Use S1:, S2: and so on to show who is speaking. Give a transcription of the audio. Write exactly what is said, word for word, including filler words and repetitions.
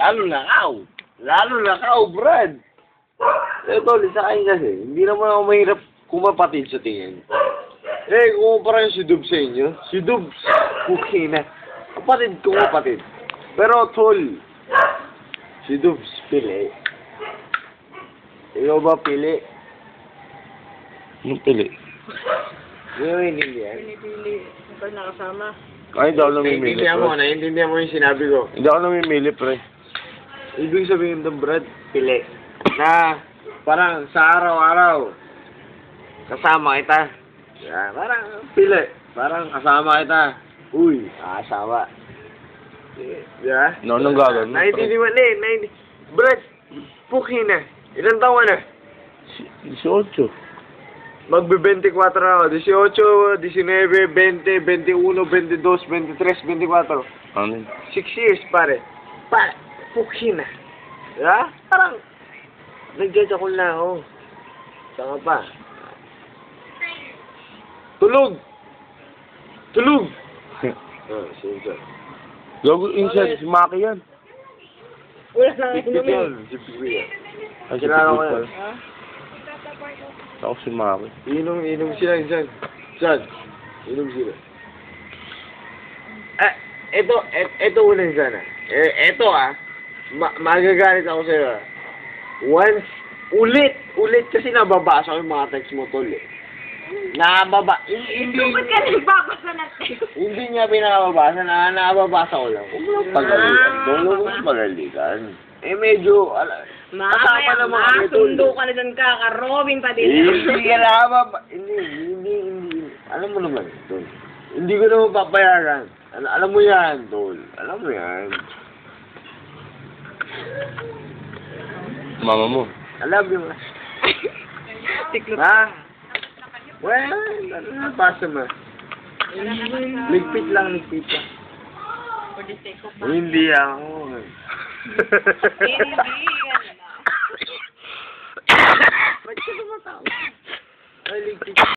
S1: Lalo na kao. Lalo na kao, Brad. Eh, tol, isa kayo kasi. Hindi naman ako mahirap kumapatid sa tingin. Eh, kung parang si Dubs sa inyo, si Dubs, okay na. Kapatid ko, kapatid. Pero, tol, si Dubs, pili. Ikaw ba pili?
S2: Anong pili?
S1: Hindi mo hinindihan.
S3: Pinipili. Ito nakasama.
S2: Ay, hindi ako namimili,
S1: Naiintindihan mo,
S2: pre.
S1: naiintindihan mo yung sinabi ko.
S2: Hindi ako namimili, pre.
S1: Ibig sabihin ng Brad, pili. Na, parang sa araw-araw, kasama kita. Yeah, parang pili. Parang kasama kita. Uy, kasama. Yeah?
S2: No, anong gagawin mo, pre?
S1: Naiintindihan na eh. naiintindihan. Brad, puki na. Ilan taon na?
S2: eighteen.
S1: Magbe-twenty-four na ako. eighteen, nineteen, twenty, twenty-one, twenty-two, twenty-three, twenty-four.
S2: Ano yun?
S1: Six years, pare. Pare, puki na. Yeah? Parang, nag-judge ako na ako. Saka pa. Tulog! Tulog! Oh, sige.
S2: Gago, inside, si Maki yan.
S3: Wala nang
S1: Big-big
S3: inumin.
S1: yan. Big-big yan.
S2: Ay, si
S1: Kilala ko
S2: Pitbull
S1: yan.
S2: pala.
S3: Ha?
S2: Ako si Maki.
S1: Inom, inom sila, insan. San? Inom sila. Eh, eto, et, eto ulit sana. Eh, eto ah. Ma magagalit ako sa'yo ah. Once, ulit, ulit kasi nababasa ko yung mga text mo tol eh. Nababa, hindi,
S3: Ba't ka nagbabasa ng text?
S1: hindi niya pinakababasa, na nababasa ko lang. Huwag mo lang pagalitan.
S3: Ah,
S1: Huwag mo lang pagalitan. Eh medyo, ala, kasama
S3: Mamaya,
S1: naman
S3: ma,
S1: kami, tol.
S3: sundo ka na dyan ka, ka Robin pa din.
S1: Hindi ka na ba? Hindi, hindi, hindi. Alam mo naman, tol. Hindi ko naman papayagan. Al alam mo yan, tol. Alam mo yan.
S2: Mama mo.
S1: Alam mo.
S3: Tiklop.
S1: Ha? Well, ano na pasa mo? Ligpit lang, ligpit lang.
S3: For the sake of
S1: Hindi ako.
S3: Hindi,
S1: Ba't ka tumatawa? Ay, ligpit.